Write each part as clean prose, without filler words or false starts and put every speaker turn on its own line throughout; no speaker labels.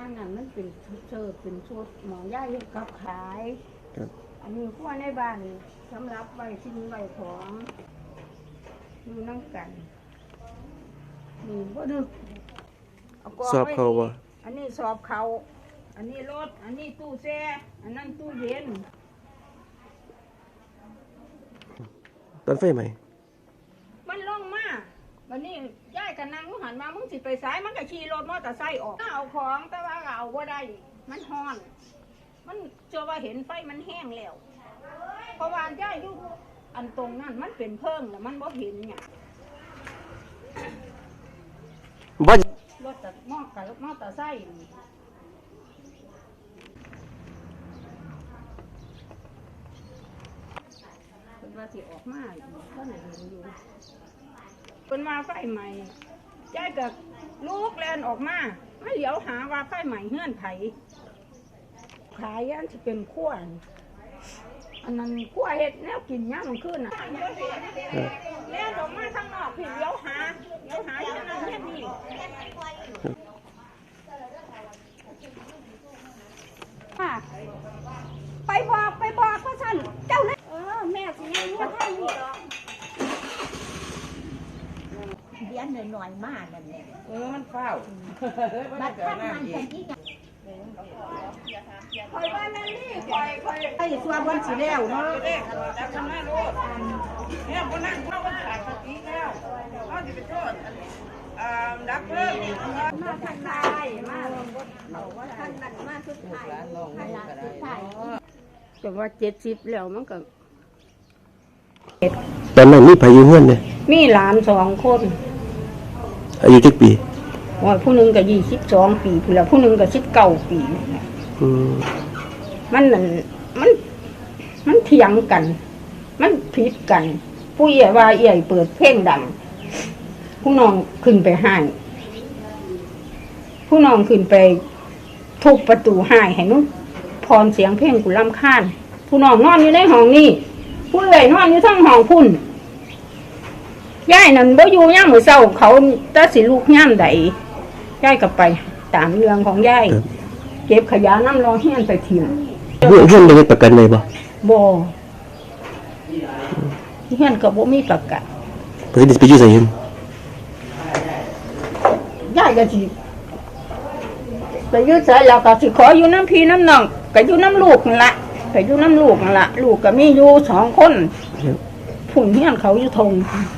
างนั้นมันเป็นเสิร์ฟเป็นชุดหมอย่างเฮ็ดกับขายอันนี้พวกในบ้านสำหรับไว้ทิ้งไว้ของอยู่นั่งกันนี่บ่ดึก
สอบเขาบ่
อันนี้สอบเขาอันนี้รถอันนี้ตู้แช่อันนั้นตู้เย็น
ตอนไฟใหม่
มันลงมาวันนี้ย้ายกันนั่งหันมามึงสิไปซ้ายมันก็ขี่รถมอเตอร์ไซค์ออกเอาของแต่ว่าเอาบ่ได้มันฮ้อนมันเจอว่าเห็นไฟมันแห้งแล้วเพราะว่าย้ายอยู่อันตรงนั้นมันเป็นเพิ่งแล้วมันบ่เห็นเนี่ย
บ่
รถจากมอเตอร์ไซค์เป็นว่าสิออกมาก็ไหนเห็นอยู่เป็นมาไฟใหม่ย้ายกับลูกแลนออกมาไม่เหลียวหาว่าไฟใหม่เฮือนไผขายยันที่เป็นขั้วอันนั้นขั้วเห็ดแนวกินย่างมันขึ้นอ่ะแล่นออกมาทางนอกพี่เหลียวหาอย่างนั้นแค่นี้ไปบอกว่าท่านเจ้าเลยแม่สิยังว่าท่านนี่หรอก
เลี้ยงหน่อยๆมากนั่นแหละ
มันเฝ้า
บัดท่านมันจะยิ่ง
คอยว่าแม่นี่คอย
ไอ้ส่วนวันสิแล้วเนาะ
จับทำหน้าลูกเนี่ยคนนั่งเข้าวันขาดสติแล้วเขาจะไปโทษดับเบิ้ล
มาทางใดมาเอาว่าท่านนั้นมาสุดท้ายให้หลานสุดท้าย
แต่ว่า70แล้วมันก็
ตอนนั้นมีไผอยู่เฮือนเด้
มีหลาน2คน
อายุจักปี
ว่าผู้หนึงก็22 ปีผู้ละผู้หนึงก็19 ปีมันนั่นมันเถียงกัน มันผิดกันผู้ใหญ่ว่าใหญ่เปิดเพลงดังผู้น้องขึ้นไปห้างผู้น้องขึ้นไปทุบประตูห้างให้นุ๊กพรเสียงเพลงกูรำคาญผู้น้องนอนอยู่ในห้องนี้ผู้ใหญ่นอนอยู่ทั้งห้องพุ่นย่ายนั่นบ่อยู่ย่ามมื้อเช้าเขาตาสิลูกย่ามใดย่ายก็ไปตามเรื่องของย่ายเก็บขยะน้ำรองเฮียนไปทิ้ง
เฮือนได้ประกันเลยบ่
เฮียนก็บ่มีประกัน
เพิ่นสิไปอยู่ไสเห็น
ย่ายก็สิไปอยู่ไสแล้วก็สิขออยู่น้ำพี่น้ำน้องก็อยู่น้ำลูกนั่นล่ะไปอยู่น้ำลูกนั่นล่ะลูกก็มีอยู่2คนผุ่นเฮียนเขาอยู่ทง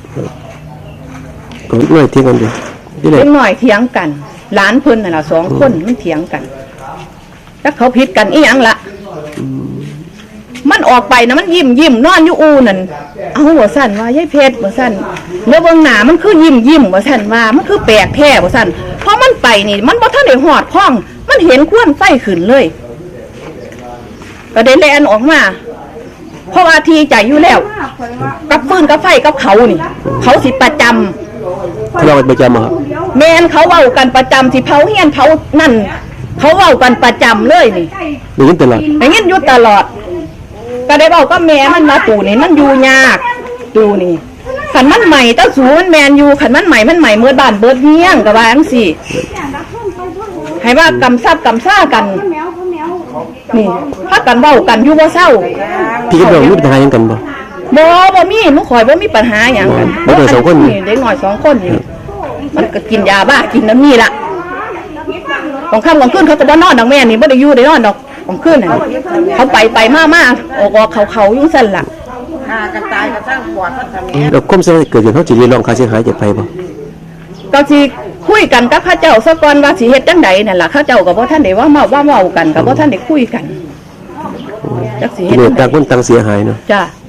ก็น้อยเถียงกันดิ
เล็กน้อยเถียงกันหลานเพิ่นน่ะล่ะ2คนมันเถียงกันแล้วเขาผิดกันอีหยังล่ะมันออกไปนะมันยิ้มนอนอยู่อูนั่นเอาบ่ซั่นว่ายายเพชรบ่ซั่นแล้วเบิ่งหน้ามันคือยิ้มบ่ซั่นว่ามันคือแปลกแท้บ่ซั่นเพราะมันไปนี่มันบ่ทันได้ฮอดพ้องมันเห็นควันไฟขึ้นเลยก็ได้แล่นออกมาเพราะว่าทีใจอยู่แล้วกับฟืนกับไฟกับเขานี่เขาสิประจำ
เราประจำครับ
แม่นเขาเว้ากันประจำสิเผาเฮียนเผานั่นเขาเว้ากันประจำเลยนี่
ได้ยินตลอด
ได้ยินอยู่ตลอดก็ได้บอกก็แม่มันมาตู่นี่มันอยู่ยากตู่นี่ขันมันใหม่ต้าสูมันแมนอยู่ขันมันใหม่เมื่อบ้านเบิดเฮียงกับว่าจังซี่ให้ว่ากำซับกำซ่ากันนี่ถ้ากันเว้ากันอยู่บ่เศร้า
พี่กับน้องมีปัญหาหยังกัน
บ่มีหนูข่อยบ่มีปัญหาหยังกัน
เด็ก2คน
นี่เด็กน้อย2คนนี่มันก็กินยาบ้ากินน้ำนี่ล่ะของค่ำของคืนเขาจะบ่นอนดอกแม่นี่บ่ได้อยู่ได้นอนดอกของคืนน่ะเขาไปมาออกเขาอยู่ซั่นล่ะ
กันตายก็สร้างปวดมันทำ
แล้วความเสียหายเกิดขึ้นเฮาสิเรียกร้องค่าเสียหายจากไผบ่
ก็สิคุยกันกับเขาเจ้าซะก่อนว่าสิเฮ็ดจังไดนั่นล่ะเขาเจ้าก็บ่ทันได้ว่าเว้ากันก็บ่ทันได้คุยกันจักสิเฮ็ด
ต่างคนต่างเสียหายเนาะ
จ้ะ